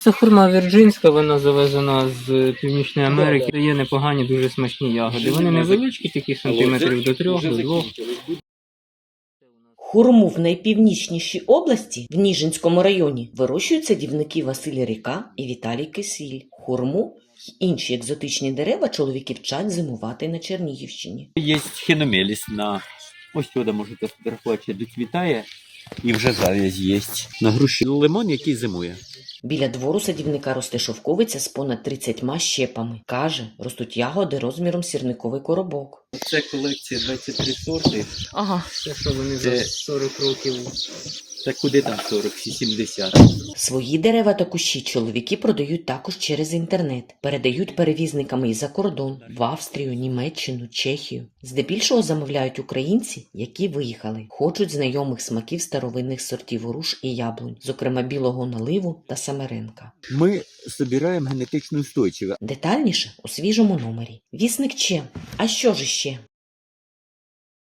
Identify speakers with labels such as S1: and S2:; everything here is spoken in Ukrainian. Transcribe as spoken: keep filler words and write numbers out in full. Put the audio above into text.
S1: Це хурма вірджинська, вона завезена з Північної Америки. Є непогані, дуже смачні ягоди. Вони невеличкі, такі сантиметрів до трьох, до двох.
S2: Хурму в найпівнічнішій області, в Ніжинському районі, вирощують садівники Василь Ріка і Віталій Кисіль. Хурму й інші екзотичні дерева чоловіки вчать зимувати на Чернігівщині.
S3: Є хіномеліс на ось сюди можете фотографувати, доцвітає і вже зав'язь є. На груші лимон, який зимує.
S2: Біля двору садівника росте шовковиця з понад тридцятьма щепами. Каже, ростуть ягоди розміром сірниковий коробок.
S3: Це колекція двадцять три сорти.
S2: Ага.
S1: Це що вони за
S3: Це-
S1: сорок років.
S3: Та куди там сорок, сімдесят.
S2: Свої дерева та кущі чоловіки продають також через інтернет. Передають перевізниками і за кордон – в Австрію, Німеччину, Чехію. Здебільшого замовляють українці, які виїхали. Хочуть знайомих смаків старовинних сортів груш і яблунь, зокрема білого наливу та самеренка.
S3: Ми збираємо генетично устойчиве.
S2: Детальніше у свіжому номері. Вісник Че. А що ж іще?